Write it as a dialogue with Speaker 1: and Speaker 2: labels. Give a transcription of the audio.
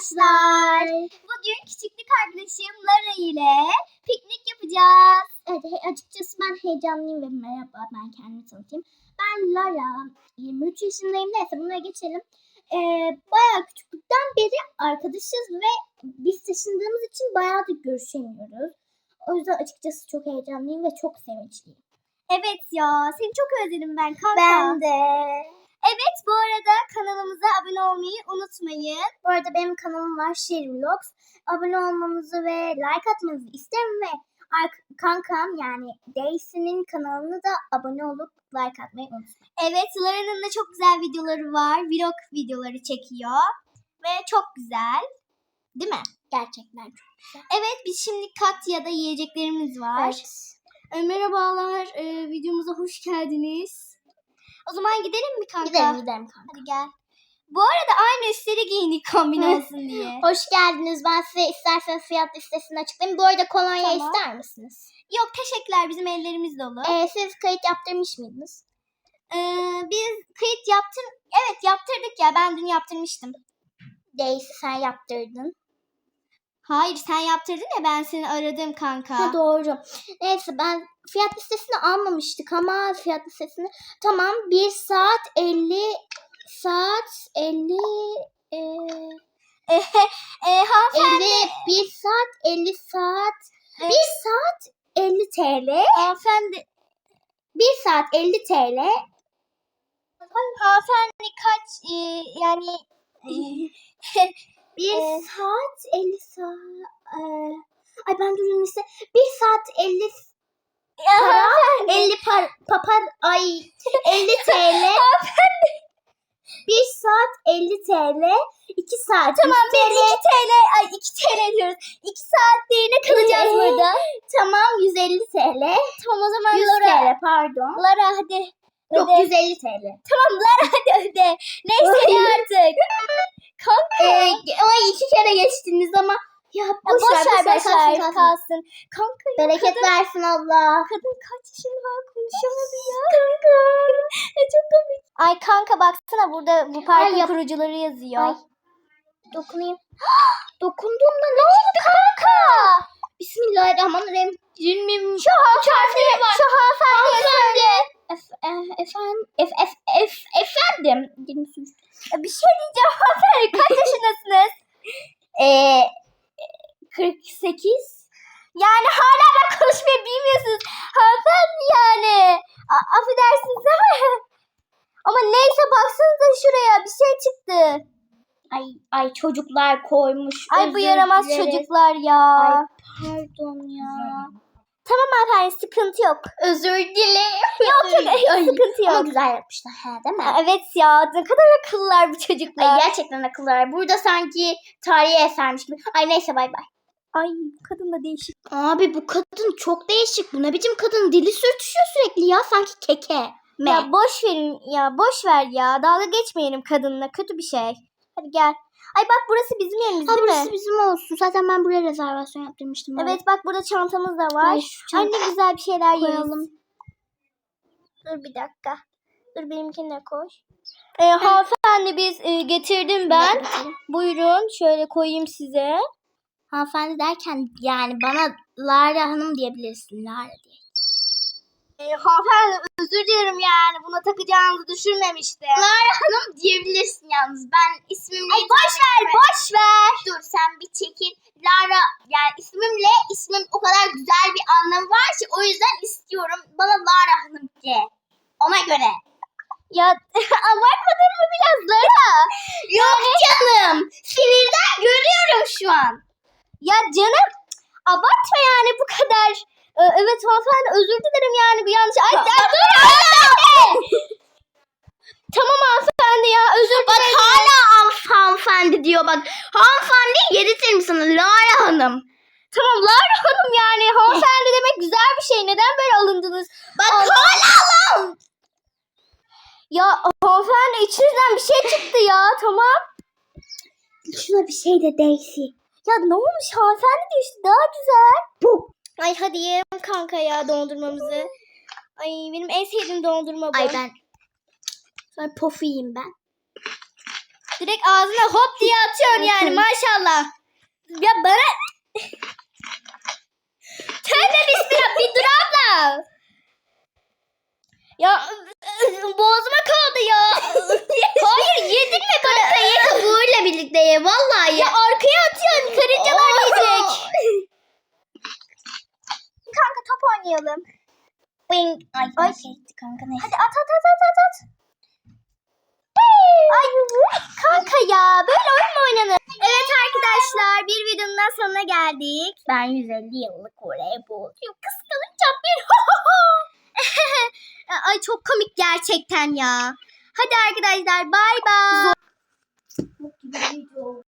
Speaker 1: arkadaşlar. Bugün küçüklük arkadaşım Lara ile piknik yapacağız. Evet, açıkçası ben heyecanlıyım ve merhaba, ben kendimi tanıtayım. Ben Lara, 23 yaşındayım. Neyse buna geçelim. Bayağı küçüklükten beri arkadaşız ve biz taşındığımız için bayağıdır görüşemiyoruz. O yüzden açıkçası çok heyecanlıyım ve çok sevinçliyim. Evet ya, seni çok özledim ben kanka. Ben de. Evet, bu arada kanalımıza abone olmayı unutmayın. Bu arada benim kanalım var, Vlogs. Abone olmanızı ve like atmanızı isterim ve kankam yani Daisy'nin kanalını da abone olup like atmayı unutmayın. Evet, Lara'nın da çok güzel videoları var. Vlog videoları çekiyor ve çok güzel. Değil mi? Gerçekten çok güzel. Evet, biz şimdi Katya'da yiyeceklerimiz var. Evet. Merhabalar, videomuza hoş geldiniz. O zaman gidelim mi kanka? Gidelim kanka. Hadi gel. Bu arada aynı üstleri giyindik kombin olsun diye. Hoş geldiniz. Ben size isterseniz fiyat listesini açıklayayım. Bu arada kolonya ister misiniz? Yok teşekkürler. Bizim ellerimiz dolu. Siz kayıt yaptırmış mıydınız? Biz kayıt yaptırdık ya. Ben dün yaptırmıştım. Daisy sen yaptırdın. Hayır sen yaptırdın ya, ben seni aradım kanka. Ha, doğru. Neyse ben fiyat listesini almamıştık ama fiyat listesini tamam 1 saat 50 hanımefendi 1 saat 50 saat 1 saat 50 TL. Hanımefendi 1 saat 50 TL. Hanımefendi kaç yani 1 saat 50 saat. Ay ben durayım işte. 1 saat 50 para. 50 papar ay 50 TL. 1 saat 50 TL. 2 saat. Tamam biz 2 TL. Ay 2 TL diyoruz. 2 saatliğine kalacağız burada. Tamam 150 TL. Tamam o zaman 100 TL pardon. Lara hadi. Yok öde. 150 TL. Tamam Lara hadi öde. Neyse artık. Kanka. Ay 2 kere geçtiniz ama ya boş ver kalsın. Kanka ya, bereket versin Allah. Kadın kaç yaşında konuşamadı ya. Kanka. Çok komik. Ay kanka baksana burada bu parkın kurucuları yazıyor. Ay. Dokunayım. Dokunduğumda ne oldu kanka? Bismillahirrahmanirrahim. Şu hanımefendi. Efendim. Bir şey diyeceğim hanımefendi. Kaç yaşındasınız? 48. Yani hala da konuşmayı bilmiyorsunuz. Hanımefendi yani. Affedersiniz ama neyse baksanıza şuraya bir şey çıktı. Ay çocuklar koymuş. Ay bu yaramaz çocuklar ya. Ay pardon ya. Tamam hanımefendi sıkıntı yok. Özür dilerim. Yok sıkıntı yok. Ama güzel yapmışlar değil mi? Evet ya ne kadar akıllılar bu çocuklar. Ay gerçekten akıllılar. Burada sanki tarihi esermiş gibi. Ay neyse bay bay. Ay bu kadın da değişik. Abi bu kadın çok değişik. Bu ne biçim kadın? Dili sürtüşüyor sürekli ya sanki keke. Ya boş verin ya boş ver ya. Dalga geçmeyelim kadınla, kötü bir şey. Hadi gel. Ay bak burası bizim yerimiz değil mi? Burası bizim olsun. Zaten ben buraya rezervasyon yaptırmıştım. Evet bak burada çantamız da var. Ay ne güzel bir şeyler koyalım. Dur bir dakika. Dur benimkini de koy. Hanımefendi biz getirdim ben. Buyurun şöyle koyayım size. Hanımefendi derken yani bana Lara Hanım diyebilirsin. Lara diye. Hanımefendi özür dilerim yani buna takacağınızı düşünmemiştim. Lara Hanım diyebilirsin yalnız. Ben ismimle... Ay boş ver. Dur sen bir çekil. Lara yani ismim o kadar güzel bir anlamı var ki o yüzden istiyorum. Bana Lara Hanım de. Ona göre. Ya abartmadın mı biraz Lara? Yok canım. Sinirden görüyorum şu an. Ya canım abartma yani bu kadar. Evet hanımefendi özür dilerim yani bir yanlış. Ay tamam hanımefendi ya özür dilerim. Bak hala hanımefendi diyor bak. Hanımefendi yedirtirim sana Lara Hanım. Tamam Lara Hanım yani hanımefendi demek güzel bir şey. Neden böyle alındınız? Bak hala alın. Ya hanımefendi içinizden bir şey çıktı ya tamam. Şuna bir şey de Daisy. Ya ne olmuş hanımefendi de işte daha güzel. Bu. Ay hadi yiyelim kanka ya dondurmamızı. Ay benim en sevdiğim dondurma bu. Ay ben. Sonra pofu yiyeyim ben. Direkt ağzına hop diye atıyorsun yani maşallah. Ya bana... Tövbe bismillah bir dur abla. Ya boğazıma kaldı ya. Hayır yedin mi baratayı?
Speaker 2: Kabuğuyla birlikte ye vallahi
Speaker 1: Ya arkaya atıyorsun karıncalar yiyecek. Kanka top oynayalım.
Speaker 2: Ay çekti kanka ne?
Speaker 1: Hadi at. Ay kanka ya böyle oyun mu oynanır? Evet arkadaşlar bir videonun daha sonuna geldik.
Speaker 2: Ben 150 yıllık voleybol.
Speaker 1: Kıskanacağım bir. Ay çok komik gerçekten ya. Hadi arkadaşlar bay bay.